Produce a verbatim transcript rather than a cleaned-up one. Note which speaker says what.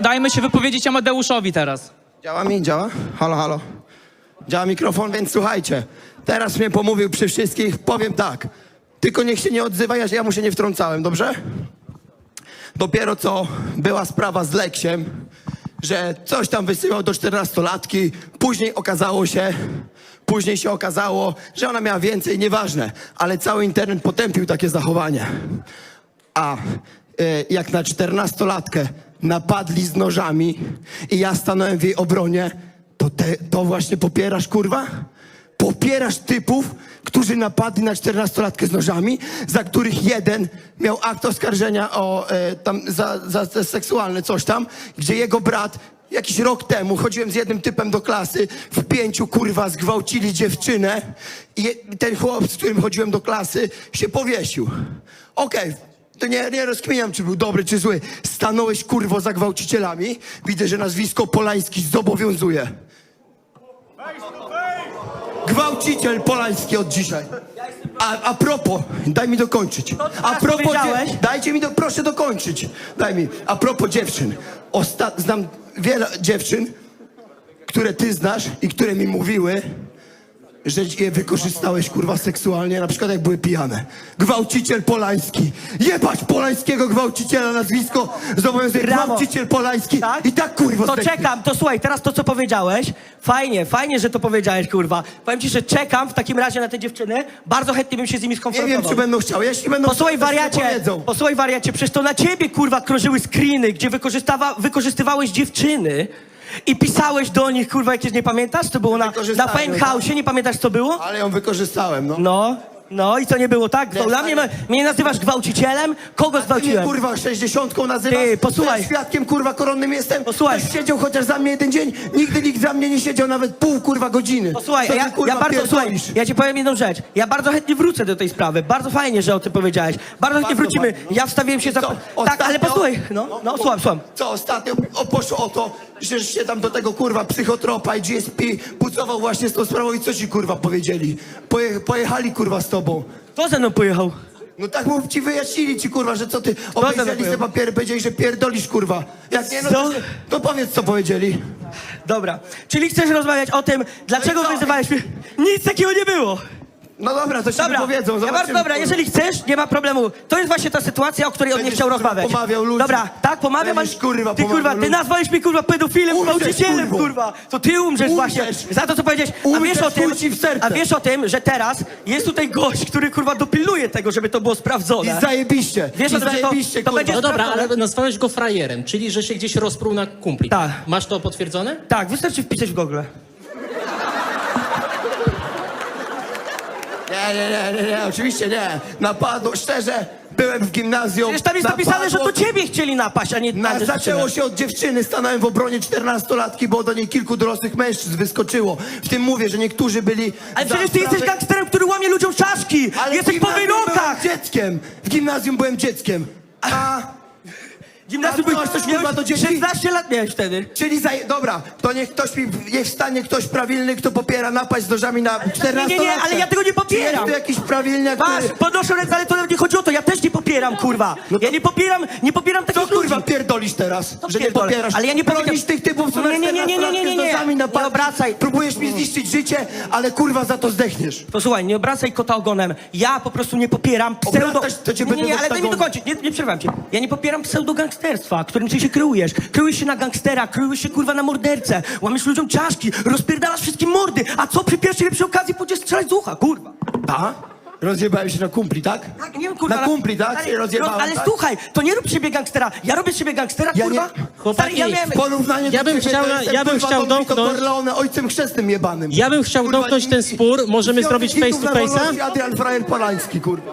Speaker 1: dajmy się wypowiedzieć Amadeuszowi teraz.
Speaker 2: Działa mi? Działa? Halo, halo. Działa mikrofon, więc słuchajcie. Teraz mnie pomówił przy wszystkich. Powiem tak. Tylko niech się nie odzywa, ja, ja mu się nie wtrącałem, dobrze? Dopiero co była sprawa z Leksiem, że coś tam wysyłał do czternastolatki. Później okazało się... Później się okazało, że ona miała więcej, nieważne. Ale cały internet potępił takie zachowanie. A... jak na czternastolatkę napadli z nożami i ja stanąłem w jej obronie, to te, to właśnie popierasz, kurwa? Popierasz typów, którzy napadli na czternastolatkę z nożami, za których jeden miał akt oskarżenia o e, tam za, za, za seksualne coś tam, gdzie jego brat jakiś rok temu chodziłem z jednym typem do klasy, w pięciu, kurwa, zgwałcili dziewczynę i ten chłop, z którym chodziłem do klasy, się powiesił. Okej. Okay. To nie, nie rozkminiam, czy był dobry, czy zły. Stanąłeś, kurwo, za gwałcicielami. Widzę, że nazwisko Polański zobowiązuje. Gwałciciel Polański od dzisiaj. A, a propos, daj mi dokończyć. A propos, dzie- dajcie mi, do, proszę dokończyć. Daj mi. A propos dziewczyn. Osta- znam wiele dziewczyn, które ty znasz i które mi mówiły, że je wykorzystałeś, kurwa, seksualnie, na przykład jak były pijane. Gwałciciel Polański. Jebać Polańskiego gwałciciela, nazwisko zobowiązuje. Gwałciciel Polański.
Speaker 3: Tak?
Speaker 2: I tak, kurwa,
Speaker 3: To
Speaker 2: zdechnie.
Speaker 3: czekam, to słuchaj, teraz to, co powiedziałeś, fajnie, fajnie, że to powiedziałeś, kurwa. Powiem ci, że czekam w takim razie na te dziewczyny, bardzo chętnie bym się z nimi
Speaker 2: Nie
Speaker 3: skonfrontował.
Speaker 2: wiem, czy będą chciały. Jeśli będą
Speaker 3: Posłuchaj,
Speaker 2: chciały, to się
Speaker 3: wariacie,
Speaker 2: powiedzą.
Speaker 3: posłuchaj, wariacie, przecież to na ciebie, kurwa, krążyły screeny, gdzie wykorzystawa, wykorzystywałeś dziewczyny i pisałeś do nich, kurwa, jakieś, nie pamiętasz? To było na, na
Speaker 2: Wykorzystałem,
Speaker 3: Fame House, nie pamiętasz, co było?
Speaker 2: Ale ją wykorzystałem, no.
Speaker 3: No, no i co nie było, tak? To
Speaker 2: Nie,
Speaker 3: dla mnie,
Speaker 2: ale-
Speaker 3: mnie nazywasz gwałcicielem? Kogo
Speaker 2: Ty mnie,
Speaker 3: zgwałciłem?
Speaker 2: kurwa, sześćdziesiątką nazywasz?
Speaker 3: Ty, posłuchaj.
Speaker 2: Ja świadkiem, kurwa, koronnym jestem.
Speaker 3: Posłuchaj.
Speaker 2: Ktoś siedział chociaż za mnie jeden dzień. Nigdy nikt za mnie nie siedział nawet pół, kurwa, godziny.
Speaker 3: Posłuchaj,
Speaker 2: Co ty,
Speaker 3: ja,
Speaker 2: kurwa,
Speaker 3: ja bardzo, słuchaj,
Speaker 2: pierdolisz?
Speaker 3: ja ci powiem jedną rzecz. Ja bardzo chętnie wrócę do tej sprawy. Bardzo fajnie, że o tym powiedziałeś. Bardzo chętnie
Speaker 2: Bardzo
Speaker 3: wrócimy.
Speaker 2: fajnie, no.
Speaker 3: Ja wstawiłem się za...
Speaker 2: Co,
Speaker 3: Tak,
Speaker 2: ostatnio-
Speaker 3: ale posłuchaj. No, no, słucham, słucham.
Speaker 2: Co ostatnio o, poszło o to, że się tam do tego, kurwa, psychotropa i G S P pucował właśnie z tą sprawą i co ci, kurwa, powiedzieli? Poje, pojechali, kurwa, z tobą.
Speaker 3: Kto ze mną pojechał?
Speaker 2: No tak mów, ci wyjaśnili ci, kurwa, że co ty
Speaker 3: za
Speaker 2: obejrzeli
Speaker 3: to
Speaker 2: te papiery, powiedzieli, że pierdolisz, kurwa. Jak nie, no
Speaker 3: Co?
Speaker 2: to, to powiedz, co powiedzieli.
Speaker 3: Dobra. Czyli chcesz rozmawiać o tym, dlaczego
Speaker 2: No i co?
Speaker 3: wyzywałeś mnie? Nic takiego nie było.
Speaker 2: No dobra, to ci
Speaker 3: Dobra,
Speaker 2: powiedzą,
Speaker 3: ja
Speaker 2: zobaczymy.
Speaker 3: bardzo, dobra,
Speaker 2: kurwa.
Speaker 3: jeżeli chcesz, nie ma problemu. To jest właśnie ta sytuacja, o której on nie
Speaker 2: Będziesz,
Speaker 3: chciał
Speaker 2: kurwa,
Speaker 3: rozmawiać.
Speaker 2: pomawiał ludzi.
Speaker 3: Dobra, tak, pomawiam,
Speaker 2: Będziesz, kurwa,
Speaker 3: ty, kurwa,
Speaker 2: pomawiał
Speaker 3: ty
Speaker 2: ludzi.
Speaker 3: nazwałeś mnie, kurwa, pedofilem,
Speaker 2: Umrzesz,
Speaker 3: gwałcicielem,
Speaker 2: kurwo.
Speaker 3: kurwa. To ty umrzesz,
Speaker 2: Umrzesz.
Speaker 3: właśnie. Za to, co powiedziałeś. A
Speaker 2: Umrzesz,
Speaker 3: wiesz o tym,
Speaker 2: chuj ci w serce.
Speaker 3: a wiesz o tym, że teraz jest tutaj gość, który, kurwa, dopilnuje tego, żeby to było sprawdzone.
Speaker 2: I zajebiście.
Speaker 3: Wiesz
Speaker 2: I
Speaker 3: o tym, że to-
Speaker 2: zajebiście,
Speaker 3: to
Speaker 2: kurwa.
Speaker 3: będzie-
Speaker 4: No dobra,
Speaker 3: sprawdzone?
Speaker 4: ale nazwałeś go frajerem, czyli że się gdzieś rozpruł na kumpli.
Speaker 3: Tak.
Speaker 4: Masz to potwierdzone?
Speaker 3: Tak, wystarczy wpisać w Google.
Speaker 2: Nie, nie, nie, nie, nie, oczywiście nie. Napadło, szczerze, byłem w gimnazjum.
Speaker 3: Przecież tam jest napisane, że to
Speaker 2: napadło-
Speaker 3: ciebie chcieli napaść, a nie
Speaker 2: Na,
Speaker 3: na
Speaker 2: zaczęło się od dziewczyny, stanąłem w obronie czternastolatki, bo do niej kilku dorosłych mężczyzn wyskoczyło. W tym mówię, że niektórzy byli...
Speaker 3: Ale
Speaker 2: za
Speaker 3: przecież ty jesteś
Speaker 2: sprawę-
Speaker 3: gangsterem, który łamie ludziom czaszki!
Speaker 2: Ale
Speaker 3: Jesteś
Speaker 2: w
Speaker 3: po
Speaker 2: gimnazjum
Speaker 3: wyrokach!
Speaker 2: byłem dzieckiem. W gimnazjum byłem dzieckiem. A...
Speaker 3: Gimnazjum
Speaker 2: A ty masz coś, kurwa,
Speaker 3: miałeś
Speaker 2: do dzieci?
Speaker 3: szesnaście lat miałeś wtedy.
Speaker 2: Czyli za... Dobra, to niech ktoś mi... Niech wstanie ktoś prawilny, kto popiera napaść z nożami na czternastolatkę.
Speaker 3: Nie, nie, nie, ale ja tego nie popieram.
Speaker 2: Czy jest tu jakiś prawilniak,
Speaker 3: Masz,
Speaker 2: który...
Speaker 3: podnoszę ręce, ale to nawet nie chodzi o to, ja też nie popieram, kurwa.
Speaker 2: No to-
Speaker 3: Ja nie popieram, nie popieram
Speaker 2: Co,
Speaker 3: takich
Speaker 2: kurwa,
Speaker 3: ludzi.
Speaker 2: pierdolisz teraz?
Speaker 3: To
Speaker 2: że nie
Speaker 3: pierdolę.
Speaker 2: popierasz.
Speaker 3: Ale ja nie
Speaker 2: Bronisz
Speaker 3: powiedziałem-
Speaker 2: tych typów, co
Speaker 3: Nie, nie, nie, nie, nie, nie, nie, nie.
Speaker 2: z nożami na
Speaker 3: Nie
Speaker 2: palcach.
Speaker 3: obracaj.
Speaker 2: Próbujesz mi zniszczyć życie, ale kurwa za to zdechniesz.
Speaker 3: Posłuchaj, nie obracaj kota ogonem. Ja po prostu nie popieram pseudo...
Speaker 2: Obracać, to cię
Speaker 3: nie, nie,
Speaker 2: będę
Speaker 3: nie, ale daj mi
Speaker 2: oktagonem.
Speaker 3: dokończyć, nie, nie przerwam cię. Ja nie popieram pseudogangsterstwa, którym ty się kryjesz. Kryjesz się na gangstera, kryjesz się, kurwa, na mordercę. Łamiesz ludziom czaszki, rozpierdalasz wszystkim mordy. A co przy pierwszej lepszej okazji pójdziesz strzelać z ucha, kurwa.
Speaker 2: A? Rozjebałem się na kumpli, tak?
Speaker 3: Tak, nie wiem, kurwa.
Speaker 2: Na
Speaker 3: ale-
Speaker 2: kumpli, tak?
Speaker 3: Ale,
Speaker 2: Się rozjebałem,
Speaker 3: ale
Speaker 2: tak?
Speaker 3: słuchaj, to nie rób z siebie gangstera. Ja robię z siebie gangstera,
Speaker 2: Ja
Speaker 3: kurwa.
Speaker 2: nie-
Speaker 4: Chłopaki,
Speaker 3: Stary, ja miałem...
Speaker 2: W porównaniu
Speaker 4: Ja
Speaker 2: do
Speaker 4: bym
Speaker 2: ciebie,
Speaker 4: chciał
Speaker 2: to
Speaker 4: na-
Speaker 2: jestem,
Speaker 4: ja bym
Speaker 2: kurwa,
Speaker 4: chciał
Speaker 2: Don Vito
Speaker 4: domknąć-
Speaker 2: Corleone, ojcem chrzestnym jebanym.
Speaker 4: Ja bym chciał
Speaker 2: Kurwa,
Speaker 4: domknąć
Speaker 2: i-
Speaker 4: ten spór, możemy
Speaker 2: i-
Speaker 4: zrobić
Speaker 2: i-
Speaker 4: face to face'a?
Speaker 2: Adrian Frajer Polański, kurwa.